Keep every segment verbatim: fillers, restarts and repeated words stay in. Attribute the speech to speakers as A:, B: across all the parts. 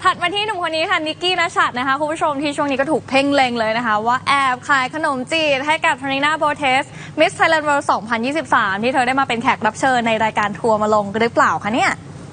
A: ถัดมาที่หนุ่มคนนี้ค่ะนิกกี้ณชัดนะคะคุณผู้ชมที่ช่วงนี้ก็ถูกเพ่งเล็งเลยนะคะว่าแอบขายขนมจีบให้กับทาริน่าโบเทสมิสไทยแลนด์เวิลด์สองพันยี่สิบสามที่เธอได้มาเป็นแขกรับเชิญในรายการทัวร์มาลงหรือเปล่าคะเนี่ย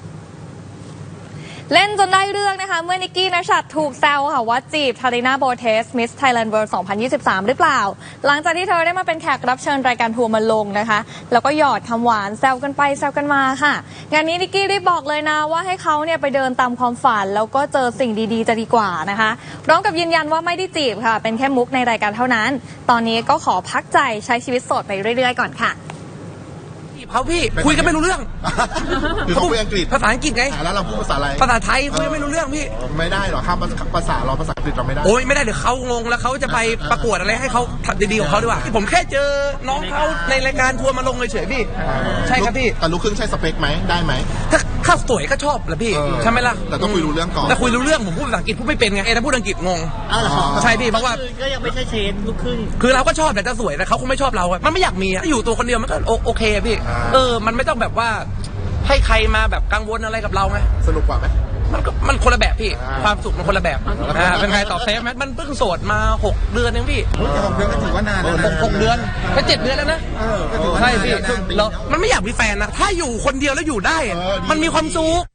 A: เล่นจนได้เรื่องนะคะเมื่อนิกกี้ณชัดถูกแซวค่ะว่าจีบทาริน่าโบเทสมิสไทยแลนด์เวิลด์สองพันยี่สิบสามหรือเปล่าหลังจากที่เธอได้มาเป็นแขกรับเชิญรายการทัวร์มาลงนะคะแล้วก็หยอดคำหวานแซวกันไปแซวกันมาค่ะงานนี้นิกกี้ได้บอกเลยนะว่าให้เขาเนี่ยไปเดินตามความฝันแล้วก็เจอสิ่งดีๆจะดีกว่านะคะพร้อมกับยืนยันว่าไม่ได้จีบค่ะเป็นแค่มุกในรายการเท่านั้นตอนนี้ก็ขอพักใจใช้ชีวิตโสดไปเรื่อยๆก่อนค่ะ
B: เขาพี่คุยกันไม่รู้เรื่อง
C: คือเขาคุยอังกฤษ
B: ภาษาอังกฤษไง
C: แล้วเราพูดภาษาอะไร
B: ภาษาไทยคุยกันไม่รู้เรื่องพี่
C: ไม่ได้หรอข้ามภาษาเราภาษาอังกฤษเราไม่ได้
B: โอ้ยไม่ได้เดี๋ยวเขางงแล้วเขาจะไปประกวดอะไรให้เขาทำดีๆของเขาดีกว่าผมแค่เจอน้องเขาในรายการทัวร์มาลงเฉยๆพี่ใช่ครับพี่
C: แต่ลูกครึ่งใช่สเปคไหมได้ไหม
B: ถ้าข้าวสวยก็ชอบแหละพี่ใช่ไหมล่ะ
C: แต่ต้องคุยรู้เรื่องก่อน
B: แต่คุยรู้เรื่องผมพูดภาษาอังกฤษพูดไม่เป็นไงเอถ้าพูดอังกฤษงงใช่พี่เพราะว่า
D: ก็ยังไม่ใช่เชนลูกครึ่ง
B: คือเราก็ชอบแต่จะสวยแต่เขาคงไม่ชอบเรามันไม่อยากมีอยู่ตัวคนเดียวมันก็โอเคพี่เออมันไม่ต้องแบบว่าให้ใครมาแบบกังวลอะไรกับเราไง
C: สนุกกว่าไหม
B: มันก็มันคนละแบบพี่ความสุขมันคนละแบบอ่าเป็นไงตอบเซฟไหมมันเพิ่งโสดมาหกเดือนเองพี่
C: หกเดือนก็ถือว่านานแล้ว
B: นะหกเดือนก็เจ็ดเดือนแล้วนะใช่พี่เรามันไม่อยากมีแฟนนะถ้าอยู่คนเดียวแล้วอยู่ได้มันมีความสุข